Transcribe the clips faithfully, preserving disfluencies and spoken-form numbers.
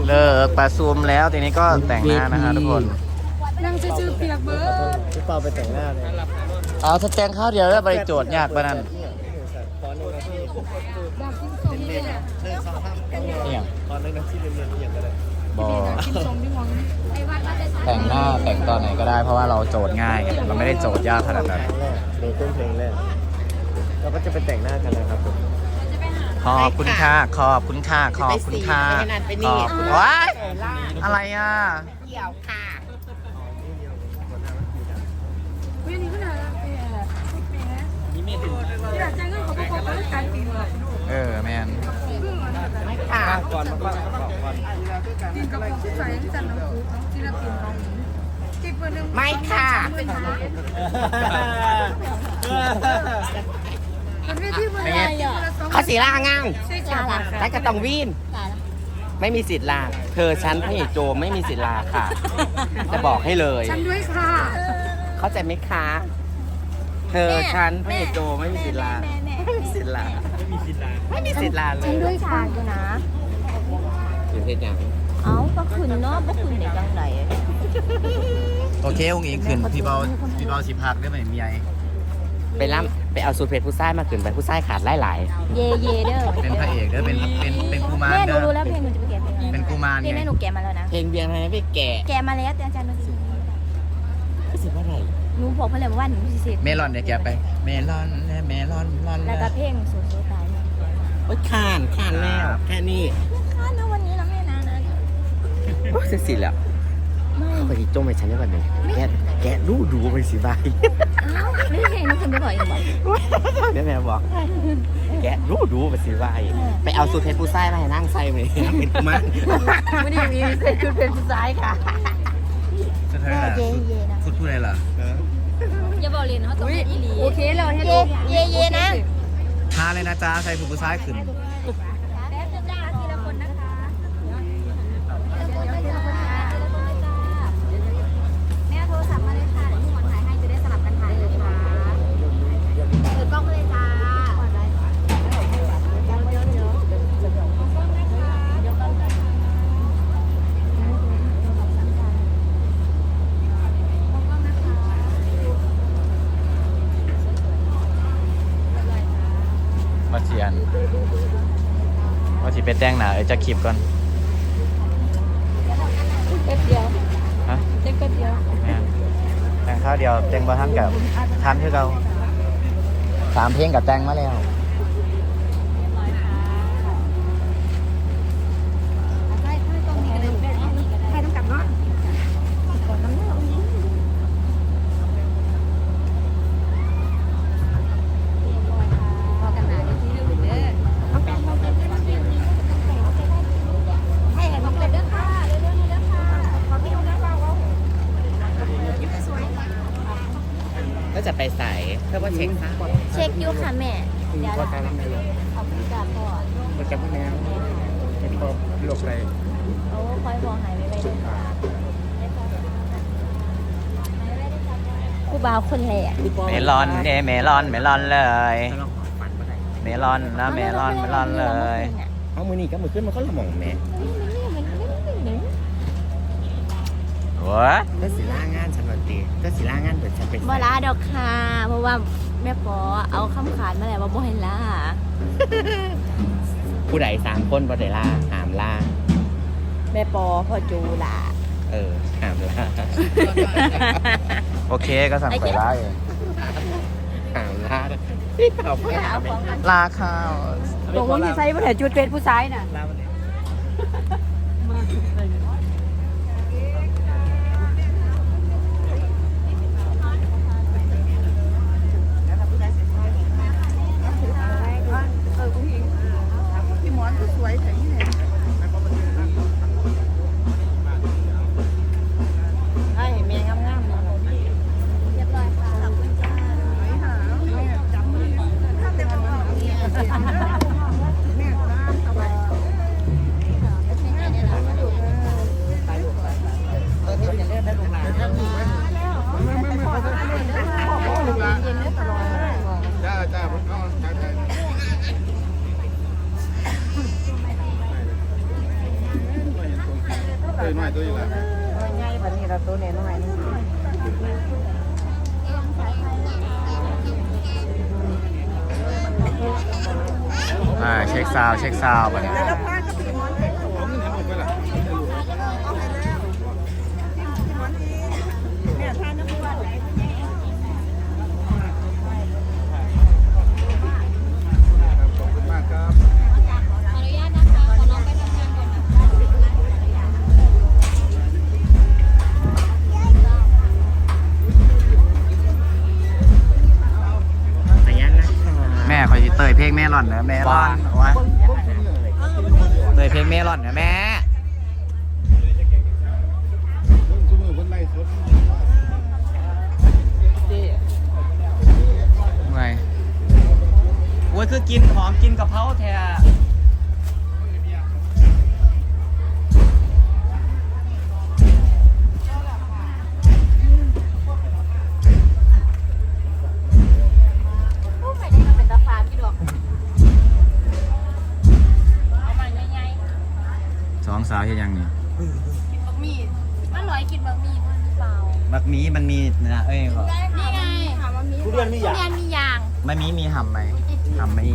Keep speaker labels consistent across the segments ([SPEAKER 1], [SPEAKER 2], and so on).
[SPEAKER 1] เลิกประชุมแล้วทีนี้ก็แต่งหน้านะคะทุกคน
[SPEAKER 2] นั่งชื่อเปียกเบิร์ด
[SPEAKER 3] พี่เปาไปแต่งหน้าเลย
[SPEAKER 1] เอาถ้าแต่งข้าวเดียวแล้วไปโจทย์ยากปะนั่น
[SPEAKER 3] ตอนนึงนะพี่
[SPEAKER 2] ดาบกินทรงนี่เนี่ย
[SPEAKER 3] เรื่องสองข้าม
[SPEAKER 1] เนี่ย
[SPEAKER 3] ตอนนึงนะที่เรียนๆอย่างก็ได้
[SPEAKER 1] บอ
[SPEAKER 2] กินทรงที่มองไอ้วัดมาได้
[SPEAKER 1] แต่งหน้าแต่งตอนไหนก็ได้เพราะว่าเราโจทย์ง่ายไงเราไม่ได้โจทย์ยากขนาดนั้น
[SPEAKER 3] แรกเพลงต้นเพลงแรกเราก็จะไปแต่งหน้ากันนะครับผม
[SPEAKER 1] ขอบคุณค่ะขอบคุณค่ะขอบคุณค่ะขอบคุณว้ายอะไรอ่ะ
[SPEAKER 4] เกี่ยวค่ะ
[SPEAKER 2] วิ่งนี่ก็น่ารักแก่ที่หลังจากนั้นเขาบอกว่าเขาการปีนเลย
[SPEAKER 1] เออแมน
[SPEAKER 4] ไม่ค่ะ
[SPEAKER 3] ก่อนมาก่อนก่อนก่อน
[SPEAKER 2] ปีนกับพวกใส่ที่จันน้ำซุปศิลปินของจีบเบอร์หนึ่ง
[SPEAKER 4] ไม่ค่ะ
[SPEAKER 2] มันไม่ที่เบอร์อะไรอ่ะ
[SPEAKER 4] เขาสีล่างาง
[SPEAKER 2] ใช่จ้า
[SPEAKER 4] แต่ก็ต้องวีนไม่มีสิทธิ์ลาเธอฉันพระเอกโจไม่มีสิทธิ์ลาค่ะ จะบอกให้เลย
[SPEAKER 2] ฉันด้วยค่ะ
[SPEAKER 4] เข้าใจไหมคะ เธอฉันพระเอกโจไม่มีสิทธิ์ลาไม่มีสิทธิ์ลาไม่มีสิทธิ์ลาไม่มีสิทธิ์ลาเล
[SPEAKER 5] ฉัน
[SPEAKER 4] ย
[SPEAKER 5] ด้วยค่ะอยู่นะ
[SPEAKER 4] ถึงเพศยัง
[SPEAKER 5] เอ้าก็คืนเนาะบ่คืนได้จังได
[SPEAKER 1] โอเคองค์อิงขึ้นพี่เบาพี่เบาสิพักได้ไหมมีไอ
[SPEAKER 4] ไปล่ำไปเอาสูตรเพชรผู้ชายมาขึ้นไปผู้ชายขาดไล่หลาย
[SPEAKER 5] เยเยเด้อ
[SPEAKER 1] เป็นพระเอกเด้อเป็นเป็นเป็นกูมาร
[SPEAKER 5] แม่หนู
[SPEAKER 1] เด้อ
[SPEAKER 5] รู้แล้วเพลงหนูจะไปแกะเพลงอะไร
[SPEAKER 1] เป็นกูมาร
[SPEAKER 5] เพลง
[SPEAKER 1] ไง
[SPEAKER 5] แม่หนูแกะมาแล้วนะ
[SPEAKER 4] เพลงเบียงทำไมไม่แก่
[SPEAKER 5] แกะมาแล้วแต่อาจารย์หนูสิ
[SPEAKER 4] รู้สึกว่าอะไร
[SPEAKER 5] หนูบอกเพิ่นเลยว่าหนูสิเสร็จ
[SPEAKER 1] เมลอนเนี่ยแกไปเมลอนและเมลอนลอน
[SPEAKER 5] แล้วก็เพลงสูงสุดตาย
[SPEAKER 4] โอ๊ยขานขานแล้วแค่นี้
[SPEAKER 5] ค่ะนะวันนี้เราไม่นานนะ
[SPEAKER 4] โอ้ยเสร็จสิแล้ว
[SPEAKER 5] ไม่
[SPEAKER 4] ไปจงไปฉันได้ป่ะเนี่ยแกะแกะดูดูไปสิบาย
[SPEAKER 5] เอ้าไม่ได้เพลงหนูขึ้นไปบ่อยอีกบ่
[SPEAKER 4] เดี๋ยวแม่บอก แกะดูดูไปสิบายไปเอาสูตรเพชรผู้ชายมาให้นั่งใส่ไหมเป็นกุมาร
[SPEAKER 5] ไม่ได้มีเสร็จคือเป็นผู้ชายค่ะ
[SPEAKER 1] สุดท้ายล่ะ
[SPEAKER 5] เยเยนะ
[SPEAKER 1] พูดพูดอะไรล่ะ
[SPEAKER 5] อย่าบอกเลยเขาต้องเป็นอีหลี
[SPEAKER 2] โอเคเลยให้
[SPEAKER 5] เย
[SPEAKER 2] ดู
[SPEAKER 5] เยเยนะ
[SPEAKER 1] ทาเลยนะจ๊ะใส่ผู้ผู้ชายขึ้น
[SPEAKER 5] แป๊บนึงจ้าทีละคนนะคะแม่โทรศัพท์มาเลยค่ะเดี๋ยวพี่หมอนถ่ายให้จะได้สลับกันถ่ายเลยค่ะถือกล้องมาเลยจ้า
[SPEAKER 1] มาเชียนว่าสิไปแต่งหน้าเอ้ยจะคลิปก่อน
[SPEAKER 5] แป๊บเดียว
[SPEAKER 1] ฮะ
[SPEAKER 5] เด็กแป๊บเดียว
[SPEAKER 1] แม่นแต่งข้าวเดียวแต่งบ่ทันกับทันคือเราสามเพลงกับแต่งมาแล้ว
[SPEAKER 2] ใช่ใช่ตรงนี้กันเลยใช่ต้องกลับเนาะ
[SPEAKER 5] พอกันหนาที่เรื่องเด้อให้ให้ผมเป็นเด้อค่ะเด้อเด้อเด้อค่ะขอพี่ดูนะเรา
[SPEAKER 4] ก็จะไปใส่เพื่อว่าเช็คค่ะ
[SPEAKER 5] เช็คอยู่ค่ะแม่
[SPEAKER 4] เดี๋ยวการทำอะไรอยู่
[SPEAKER 5] ขอบคุณจ้าพ่อ
[SPEAKER 4] มันจะพูดแนวเป็นพวกโรคอะไร
[SPEAKER 5] โอ้คอยบอกหายไปไปเลยค่ะครูบาวคนแหลก
[SPEAKER 1] เมลอนเอยเมลอนเมลอนเลย
[SPEAKER 4] ถ้าเราฝันเมื่อไหร่
[SPEAKER 1] เมลอนนะเมลอนเมลอนเลย
[SPEAKER 4] เอามือนี่ก็มือขึ้นมันก็ละหม่องแม่
[SPEAKER 1] โว้ย
[SPEAKER 4] ก็สีล่างานฉันวันตีก็สีล่างานเปิดฉันเป็น
[SPEAKER 5] บ่ลาดอกค่ะเพราะว่าแม่ปอเอาคำขาดมาแล้วว่าบ่ให้ลา
[SPEAKER 4] ผู้ใดสามคนบ่ได้ล่าหามล่า
[SPEAKER 5] แม่ปอพ่อจูล่ะ
[SPEAKER 4] เออหามล่า
[SPEAKER 1] โอเคก็สั่งไปไล่
[SPEAKER 4] หามล่าที่เปล่า
[SPEAKER 5] เอาของกัน
[SPEAKER 1] ลาข้าว
[SPEAKER 2] ตรงนี้ใส่ผู้ถ่ายจุดเป็นผู้ชายน่ะ
[SPEAKER 4] ล่ามันเนี่ย
[SPEAKER 2] เออผู้หญิงพี่หมอนสวยแต่นี่เนี่ยให้เมียงามๆนะ
[SPEAKER 5] เรียบร้อยค่ะขอบคุณจ้า
[SPEAKER 2] ไม่หาไม่จำมือถ้าเต็มเอาเนี่ยแม่ร้านสบาย
[SPEAKER 5] ง
[SPEAKER 3] น้อยตัวอยู่แล้ว
[SPEAKER 4] ง่ายแบบนี้เราตัวน้อยๆ
[SPEAKER 1] อ่าเช็คซาวด์เช็คซาวด์ไปเนี่ย
[SPEAKER 3] ขอบคุณมากครับ
[SPEAKER 5] ขออนุญาตนะคะขอน้องไปทำงานก่อนนะคะ
[SPEAKER 4] ขยันนะคะ
[SPEAKER 1] แม่คอยสิเตยเพลงแม่ร่อนนะแม่ร่อนวะเตยเพลงแม่ร่อนนะแม่
[SPEAKER 3] คุณมือคนไล่สด
[SPEAKER 1] ไงโอ้ยคือกินหอมกินกะเพราแท้
[SPEAKER 5] ผู้ใส่ได้มาเป็นตาฟ้าพี่ดอกเอามาใหญ่
[SPEAKER 1] สองสาวเฮ็ดยังนี่
[SPEAKER 5] ๆกินบะหมี่มันร้อยกินบะหมี่มันหรือเปล่า
[SPEAKER 1] มักมีมันมีนะเอ้ยบอก
[SPEAKER 5] นี่ไงทุเรียนมีอย่างทุเรียนมีอย่าง
[SPEAKER 1] ไม่มีมีห่ำไหมห่ำไหม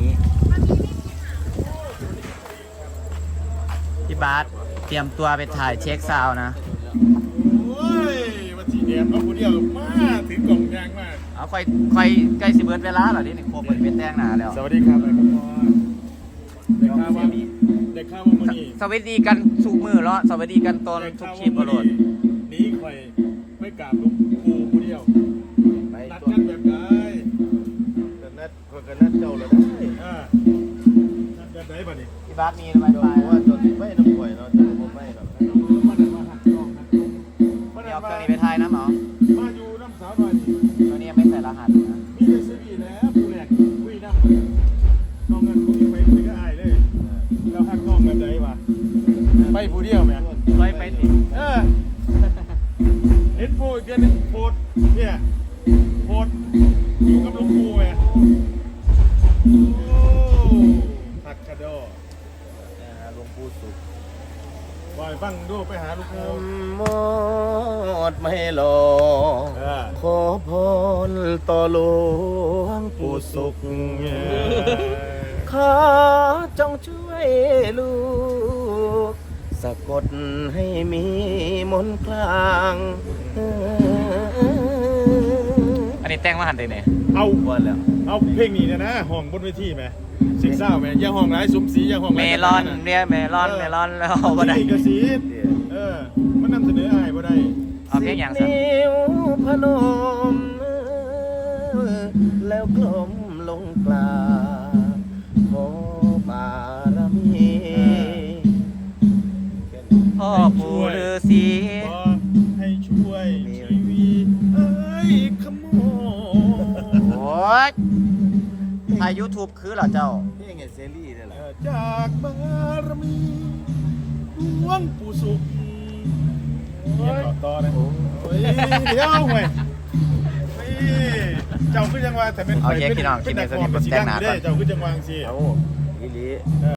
[SPEAKER 1] พี่บาสเตรียมตัวไปถ่ายเช็คซาวด์นะ
[SPEAKER 3] โอ้ยมาสีแดงเอาคนเดียวมาถือกล่องยางมาก
[SPEAKER 1] เอาค่อยค่อยใกล้สิเบิร์ดเวลาเหรอนี่โคบริเป็นแต้งหนาแล้ว
[SPEAKER 3] สวัสดีครับไอ้พ่อเด็กข้าวว่าเด็กข้าวว่ามันนี่
[SPEAKER 1] สวัสดีกันสุกมือแล้วสวัสดีกันตอนทุกคลิปบอลด
[SPEAKER 3] นี้คอยไม่กราบหลวงปู่คนเดียวนัดกันแบบไหนกันนัดกันนัดเจ้าเลยได้อ่านัดแบบไหนบ้านี่
[SPEAKER 1] พี่บาสมีไวไฟ
[SPEAKER 3] ว่าจนไม่น้ำป่วยเนาะจนผมไม่หรอกมาเดินมาหักกล้องหักกล้องมา
[SPEAKER 1] เดี๋
[SPEAKER 3] เดิ
[SPEAKER 1] ยวน เค
[SPEAKER 3] มา
[SPEAKER 1] รื่องนี้ไปถ่ายน้ำเหรอ
[SPEAKER 3] มาอยู่น้ำสาวหน่อยดิ
[SPEAKER 1] ตัวนี้ยังไม่ใส่รหัสนะ
[SPEAKER 3] มีแต่ซีบีแล้วผู้แรกคุยน้ำเลยน้องเงินคุยไปคุยก็อายเลยแล้วหักกล้องแบบไหนวะไปผู้เดียวไหม
[SPEAKER 1] ไปไปติ
[SPEAKER 3] เออเห็นผู้อีกเดือนนึงโพดเนี่ยโพดอยู่กับหลวงปู่ไงโอ้หักกระโดดหลวงปู่สุขวายฟังดูไปหาหลวงปู่
[SPEAKER 4] หมดไม่รอ
[SPEAKER 3] เออ
[SPEAKER 4] ขอพรต่อหลวงปู่สุข ขอจงช่วยลูกสะกดให้มีมนต์คลาง
[SPEAKER 1] อันนี้แต่งมาหันเลยเนี่ย
[SPEAKER 3] เอา
[SPEAKER 1] วันแล้ว
[SPEAKER 3] เอาเพลงนี้เนี่ยนะห้องบนเวทีไหมสิงเศร้าไหมอย่าห้องร้ายสุมสีอย่าห้อง
[SPEAKER 1] เม
[SPEAKER 3] ร้าย
[SPEAKER 1] ลอนเนี่ยเมลอนเมลอนแล้วบ่ได้
[SPEAKER 3] นี่กระสีเออมันนำเสนออายบ่ได้
[SPEAKER 1] เอาเพลงอย่างสัน
[SPEAKER 4] นิ้วพนม แล้วกลมลงกลาขอบารมี
[SPEAKER 1] พ่อปู่ฤาษี
[SPEAKER 3] ขอให้ช่วยชีวิตเอ้ยขโมย
[SPEAKER 1] โอ้ยถ่ายยูทูบคือเหรอเจ้า
[SPEAKER 4] นี่ไงเซรีส์นี่แหละ
[SPEAKER 3] จากบารมีหลวงปู่สุขเดี๋ยวต่อนะโอ้ยเดี๋ยวเว้ยเจ้าคือจังหวะแต่เป็น
[SPEAKER 1] โอเคพี่น้องคลิปนี้สนิทกับแจ้งหนาก่อน
[SPEAKER 3] เจ้าคือจังหวะสิ
[SPEAKER 4] เอาอีหลี